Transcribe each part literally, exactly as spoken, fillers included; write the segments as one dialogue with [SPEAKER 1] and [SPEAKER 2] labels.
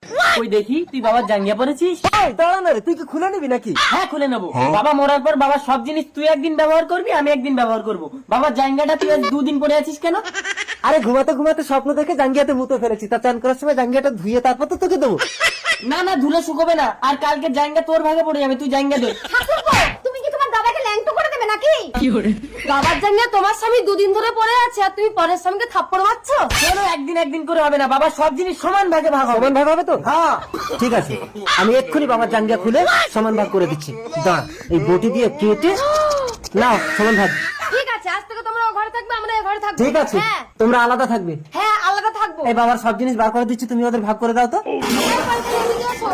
[SPEAKER 1] ওই দেখি তুই বাবার জাঙ্গিয়া পরেছিস।
[SPEAKER 2] দাঁড়া না রে, তুই কি খুলে নিবি নাকি?
[SPEAKER 1] হ্যাঁ খুলে নেবো। বাবা মরার পর বাবার সব জিনিস তুই একদিন ব্যবহার করবি, আমি একদিন ব্যবহার করবো। বাবার জাঙ্গিয়াটা তুই আজ দুদিন পরে আছিস কেন?
[SPEAKER 2] আরে ঘুমাতে ঘুমাতে স্বপ্ন দেখে জাঙ্গিয়াতে মুতে ফেলেছি, তা চান করার সময় জাঙ্গিয়াটা ধুয়ে তারপর তো তোকে দেবো।
[SPEAKER 1] না না, ধুলে শুকোবে না, আর কালকে জাঙ্গিয়া তোর ভাগে পড়ে যাবে, তুই জাঙ্গিয়া দে।
[SPEAKER 3] তুমি কি তোমার দাদাকে ল্যাংটো করে দেবে নাকি? বাবার জাঙ্গিয়া তোমার স্বামী দুদিন ধরে পরে আছে, আর তুমি পরের স্বামীকে থাপ্পড় মারছো
[SPEAKER 1] কেন? একদিন একদিন করে হবে না, বাবা সব জিনিস সমান ভাগে ভাগ হবে।
[SPEAKER 2] সমান ভাগ হবে তো?
[SPEAKER 1] হ্যাঁ
[SPEAKER 2] ঠিক আছে, আমি এক্ষুনি বাবার জাঙ্গিয়া খুলে সমান ভাগ করে দিচ্ছি। দাঁড়া, এই বটি দিয়ে কেটে নাও সমান ভাগ।
[SPEAKER 3] ঠিক আছে, আজ থেকে তোমরা ও ঘরে থাকবে, আমরা এই ঘরে থাকবো।
[SPEAKER 2] ঠিক আছে,
[SPEAKER 3] হ্যাঁ
[SPEAKER 2] তোমরা আলাদা থাকবে।
[SPEAKER 3] হ্যাঁ আলাদা থাকবো।
[SPEAKER 2] এই বাবার সব জিনিস বার করে দিচ্ছি, তুমি ওদের ভাগ করে দাও তো।
[SPEAKER 3] এই বাড়িতে নিয়ে এসো।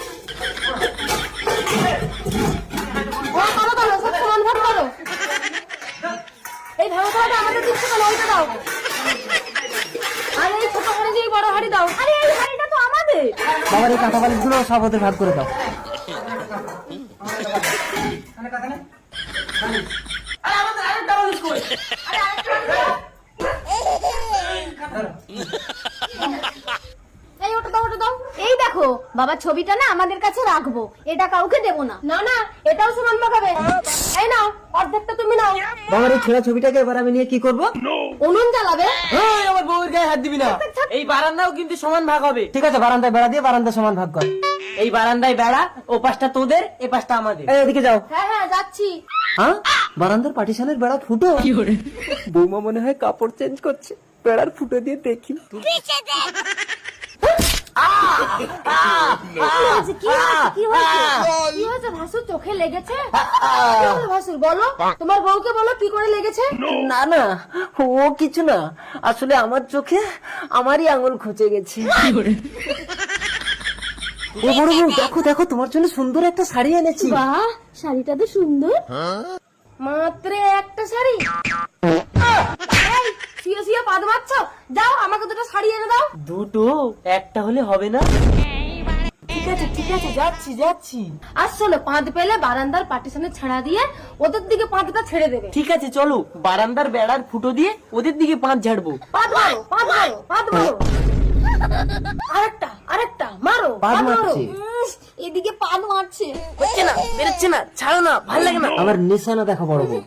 [SPEAKER 3] ও করো করো, সব সমান ভাগ করো। এই ভালো খাওয়াটা আমাদের দিচ্ছে কেন? ওইটা দাও। আর এই ছোট হাঁড়ি দিয়ে বড় হাঁড়ি দাও। আরে এই হাঁড়িটা তো আমাদের।
[SPEAKER 2] বাবার এই কাঁথা বালিশ গুলো সব ওদের ভাগ করে দাও।
[SPEAKER 1] আরে আমাদের আরেকটা বালিশ কই? আরে আরেকটা বালিশ দাও।
[SPEAKER 3] এই ওটা দাও, ওটা দাও। এই দেখো, বাবার ছবিটা না আমাদের কাছে রাখবো, এটা কাউকে দেবো না। না না, এটাও সমান ভাগ হবে। এই নাও, অর্ধেকটা তুমি নাও।
[SPEAKER 2] বাবার এই ছেঁড়া ছবিটাকে এবার আমি নিয়ে কি করবো?
[SPEAKER 3] উনুন জ্বালাবে।
[SPEAKER 1] এই আমার বউয়ের গায়ে হাত দিবি না। এই বারান্দাও কিন্তু সমান ভাগ হবে।
[SPEAKER 2] ঠিক আছে, বারান্দায় বেড়া দিয়ে বারান্দা সমান ভাগ কর।
[SPEAKER 1] এই বারান্দায় বেড়া, ও পাশটা তোদের, এ পাশটা আমাদের।
[SPEAKER 2] এই এদিকে যাও।
[SPEAKER 3] হ্যাঁ হ্যাঁ যাচ্ছি।
[SPEAKER 2] হ্যাঁ, বারান্দার পার্টিশনের বেড়া ফুটো। বৌমা মনে হয় কাপড় চেঞ্জ করছে, বেড়ার ফুটো দিয়ে দেখি।
[SPEAKER 3] কি হয়েছে? কি হয়েছে? কি হয়েছে? কি হয়েছে? ভাসুর চোখে লেগেছে? কি হলো ভাসুর, বলো। তোমার বউকে বলো কি করে লেগেছে।
[SPEAKER 2] না না, ও কিছু না, আসলে আমার চোখে আমারই আঙুল খুঁজে গেছে। ও বড় বউ, দেখো দেখো, তোমার জন্য সুন্দর একটা শাড়ি এনেছি।
[SPEAKER 3] বাহ, শাড়িটা তো সুন্দর। মাত্র একটা শাড়ি। এই, শুয়ে শুয়ে পাদ মারছো? যাও আমাকে দুটো শাড়ি এনে দাও।
[SPEAKER 1] দুটো? একটা হলে হবে না? ঠিক আছে ঠিক আছে, যাচ্ছি যাচ্ছি।
[SPEAKER 3] আর শোনো, পাঁদ পেলে বারান্দার পার্টিশনে ছাড়া দিয়ে ওদের দিকে পাঁদটা ছেড়ে দেবে।
[SPEAKER 1] ঠিক আছে চলো, বারান্দার বেড়ার ফুটো দিয়ে ওদের দিকে পাঁচ ঝাড়বো।
[SPEAKER 3] পাদ মারো, পাদ মারো, পাদ মারো। আরেকটা, আরেকটা মারো,
[SPEAKER 2] পাদ
[SPEAKER 3] পাদ মারো।
[SPEAKER 2] মারছে।
[SPEAKER 3] উম, এদিকে পাদ মারছে।
[SPEAKER 1] হচ্ছে না, বেরোচ্ছে না, ছাড়ো না, ভালো লাগে না।
[SPEAKER 2] আমার নিশানা দেখো বড় বউ।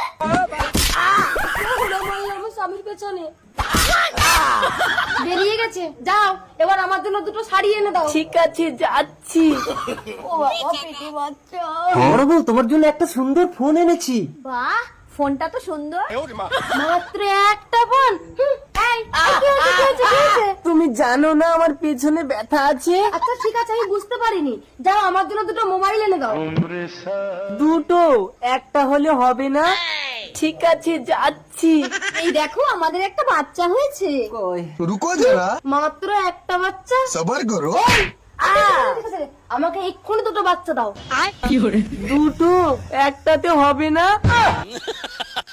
[SPEAKER 3] আমার স্বামীর পেছনে বেরিয়ে গেছে। যাও, এবার আমার জন্য দুটো শাড়ি এনে দাও।
[SPEAKER 1] ঠিক আছে যাচ্ছি।
[SPEAKER 3] ও বাবা, পেটে বাচ্চা।
[SPEAKER 2] বড় বউ, তোমার জন্য একটা সুন্দর ফোন এনেছি।
[SPEAKER 3] বাহ, ফোনটা তো সুন্দর। মাত্র একটা ফোন। হুম, এই, এই, কি হয়েছে, কি হয়েছে, কি হয়েছে?
[SPEAKER 1] তুমি জানো না আমার পেছনে ব্যথা আছে?
[SPEAKER 3] আচ্ছা ঠিক আছে, আমি বুঝতে পারিনি। যাও, আমার জন্য দুটো মোবাইল এনে দাও।
[SPEAKER 1] দুটো? একটা হলে হবে না? ঠিক আছে যাচ্ছি।
[SPEAKER 3] এই দেখো, আমাদের একটা বাচ্চা হয়েছে।
[SPEAKER 2] কই?
[SPEAKER 4] रुको जरा
[SPEAKER 3] মাত্র একটা বাচ্চা।
[SPEAKER 4] सबर करो
[SPEAKER 3] ঠিক আছে, আমাকে এক্ষুনি দুটো বাচ্চা দাও।
[SPEAKER 1] দুটো? একটাতে হবে না?